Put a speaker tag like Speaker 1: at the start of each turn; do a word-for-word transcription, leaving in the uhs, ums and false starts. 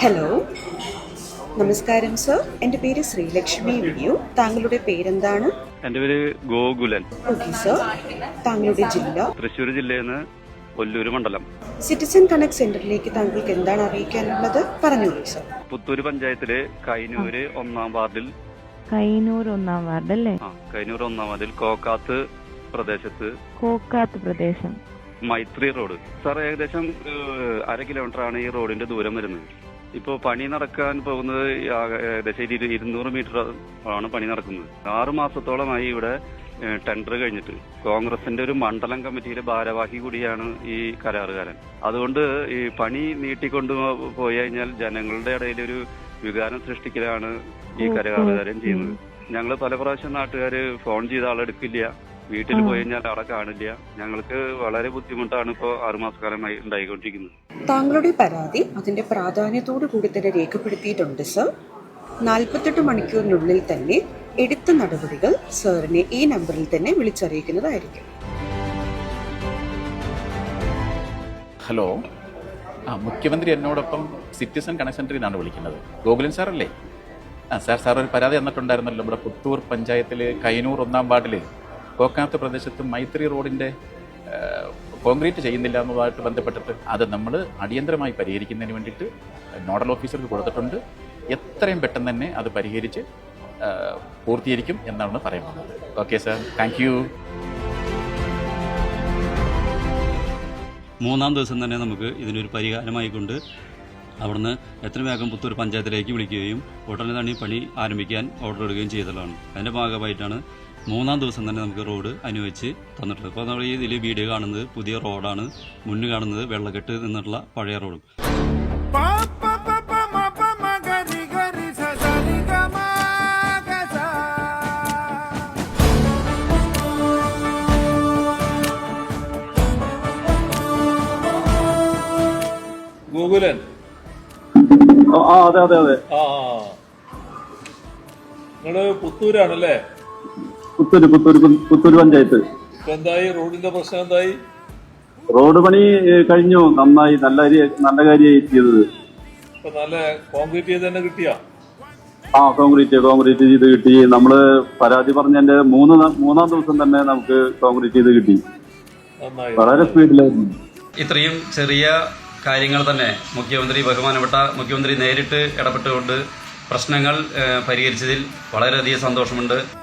Speaker 1: Hello, നമസ്കാരം sir. എൻ്റെ പേര് ശ്രീലക്ഷ്മി വിയു. താങ്കളുടെ പേരെന്താണ്?
Speaker 2: എൻ്റെ പേര് ഗോകുലൻ.
Speaker 1: Okay sir. താങ്കളുടെ ജില്ല?
Speaker 2: തൃശ്ശൂർ ജില്ലയിൽ നിന്ന് ഒല്ലൂർ മണ്ഡലം.
Speaker 1: സിറ്റിസൺ കണക്ട് സെന്ററിലേക്ക് താങ്കൾക്ക് എന്താണ് അറിയിക്കാനുള്ളത്? പറഞ്ഞോളൂ സർ.
Speaker 2: പുത്തൂര് പഞ്ചായത്തിലെ കൈനൂര് ഒന്നാം വാർഡിൽ
Speaker 3: കൈനൂർ ഒന്നാം വാർഡ് അല്ലേ?
Speaker 2: ആ കൈനൂർ ഒന്നാം വാർഡിൽ കോക്കാത്ത് പ്രദേശത്ത്
Speaker 3: കോക്കാത്ത് പ്രദേശം
Speaker 2: മൈത്രി റോഡ്. സാർ, ഏകദേശം അര കിലോമീറ്റർ ആണ് ഈ റോഡിന്റെ ദൂരം വരുന്നത്. ഇപ്പോൾ പണി നടക്കാൻ പോകുന്നത് ഏകദേശം ഇരുന്നൂറ് മീറ്റർ ആണ് പണി നടക്കുന്നത്. ആറു മാസത്തോളമായി ഇവിടെ ടെൻഡർ കഴിഞ്ഞിട്ട് കോൺഗ്രസിന്റെ ഒരു മണ്ഡലം കമ്മിറ്റിയിലെ ഭാരവാഹി കൂടിയാണ് ഈ കരാറുകാരൻ. അതുകൊണ്ട് ഈ പണി നീട്ടിക്കൊണ്ടു പോയി കഴിഞ്ഞാൽ ജനങ്ങളുടെ ഇടയിൽ ഒരു വികാരം സൃഷ്ടിക്കലാണ് ഈ കരാറുകാരൻ ചെയ്യുന്നത്. ഞങ്ങൾ പല പ്രാവശ്യം നാട്ടുകാർ ഫോൺ ചെയ്ത ആളെടുക്കില്ല, വീട്ടിൽ പോയി കഴിഞ്ഞാൽ അവിടെ കാണില്ല. ഞങ്ങൾക്ക് വളരെ ബുദ്ധിമുട്ടാണ് ഇപ്പോൾ ആറുമാസക്കാലമായി ഉണ്ടായിക്കൊണ്ടിരിക്കുന്നത്.
Speaker 1: താങ്കളുടെ പരാതി അതിന്റെ പ്രാധാന്യത്തോടു കൂടി തന്നെ രേഖപ്പെടുത്തിയിട്ടുണ്ട് സർ. നാൽപ്പത്തെട്ട് മണിക്കൂറിനുള്ളിൽ തന്നെ എടുത്ത നടപടികൾ സാറിനെ ഈ നമ്പറിൽ തന്നെ വിളിച്ചറിയിക്കുന്നതായിരിക്കും.
Speaker 4: ഹലോ, ആ മുഖ്യമന്ത്രി എന്നോടൊപ്പം സിറ്റിസൺ കണക്ട് സെന്ററിൽ നിന്നാണ് വിളിക്കുന്നത്. ഗോകുലൻ സാറല്ലേ? ആ സാർ, സാർ ഒരു പരാതി തന്നിട്ടുണ്ടായിരുന്നല്ലോ. ഇവിടെ പുത്തൂർ പഞ്ചായത്തിൽ കൈനൂർ ഒന്നാം വാർഡിൽ കോക്കാത്ത് പ്രദേശത്ത് മൈത്രി റോഡിൻ്റെ കോൺക്രീറ്റ് ചെയ്യുന്നില്ല എന്നതുമായിട്ട് ബന്ധപ്പെട്ടിട്ട് അത് നമ്മൾ അടിയന്തരമായി പരിഹരിക്കുന്നതിന് വേണ്ടിയിട്ട് നോഡൽ ഓഫീസർക്ക് കൊടുത്തിട്ടുണ്ട്. എത്രയും പെട്ടെന്ന് തന്നെ അത് പരിഹരിച്ച് പൂർത്തീകരിക്കും എന്നാണ് പറയുന്നത്. Okay sir, thank you.
Speaker 5: മൂന്നാം ദിവസം തന്നെ നമുക്ക് ഇതിനൊരു പരിഹാരമായിക്കൊണ്ട് അവിടുന്ന് എത്രയും വേഗം പുത്തൂർ പഞ്ചായത്തിലേക്ക് വിളിക്കുകയും ഉടനെ തന്നെ പണി ആരംഭിക്കാൻ ഓർഡർ ഇടുകയും ചെയ്തതാണ്. അതിൻ്റെ ഭാഗമായിട്ടാണ് മൂന്നാം ദിവസം തന്നെ നമുക്ക് റോഡ് അനുവദിച്ച് തന്നിട്ടുള്ളത്. ഇപ്പോൾ നമ്മൾ ഈ ഇതിൽ വീഡിയോ കാണുന്നത് പുതിയ റോഡാണ്, മുന്നിൽ കാണുന്നത് വെള്ളക്കെട്ട് നിന്നിട്ടുള്ള പഴയ റോഡും.
Speaker 6: ഗൂഗുലൻ.
Speaker 2: ആ അതെ അതെ അതെ
Speaker 6: ആ നിങ്ങള് പുത്തൂരാണല്ലേ?
Speaker 2: പുത്തൂര് പുത്തൂര് പുത്തൂര് പഞ്ചായത്ത്.
Speaker 6: ഇപ്പൊ എന്തായി റോഡിന്റെ പ്രശ്നം? എന്തായി?
Speaker 2: റോഡ് പണി കഴിഞ്ഞു, നന്നായി, നല്ല നല്ല കാര്യമായി ചെയ്തത്.
Speaker 6: ഇപ്പൊ നല്ല കോൺക്രീറ്റ് ചെയ്ത് തന്നെ കിട്ടിയാ?
Speaker 2: ആ കോൺക്രീറ്റ് കോൺക്രീറ്റ് ചെയ്ത് കിട്ടി. നമ്മള് പരാതി പറഞ്ഞതിന്റെ മൂന്ന് മൂന്നാം ദിവസം തന്നെ നമുക്ക് കോൺക്രീറ്റ് ചെയ്ത് കിട്ടി.
Speaker 6: നന്നായി,
Speaker 2: വളരെ സ്പീഡിലായിരുന്നു.
Speaker 5: ഇത്രയും ചെറിയ കാര്യങ്ങൾ തന്നെ മുഖ്യമന്ത്രി ബഹുമാനപ്പെട്ട മുഖ്യമന്ത്രി നേരിട്ട് ഇടപെട്ടുകൊണ്ട് പ്രശ്നങ്ങൾ പരിഹരിച്ചതിൽ വളരെയധികം സന്തോഷമുണ്ട്.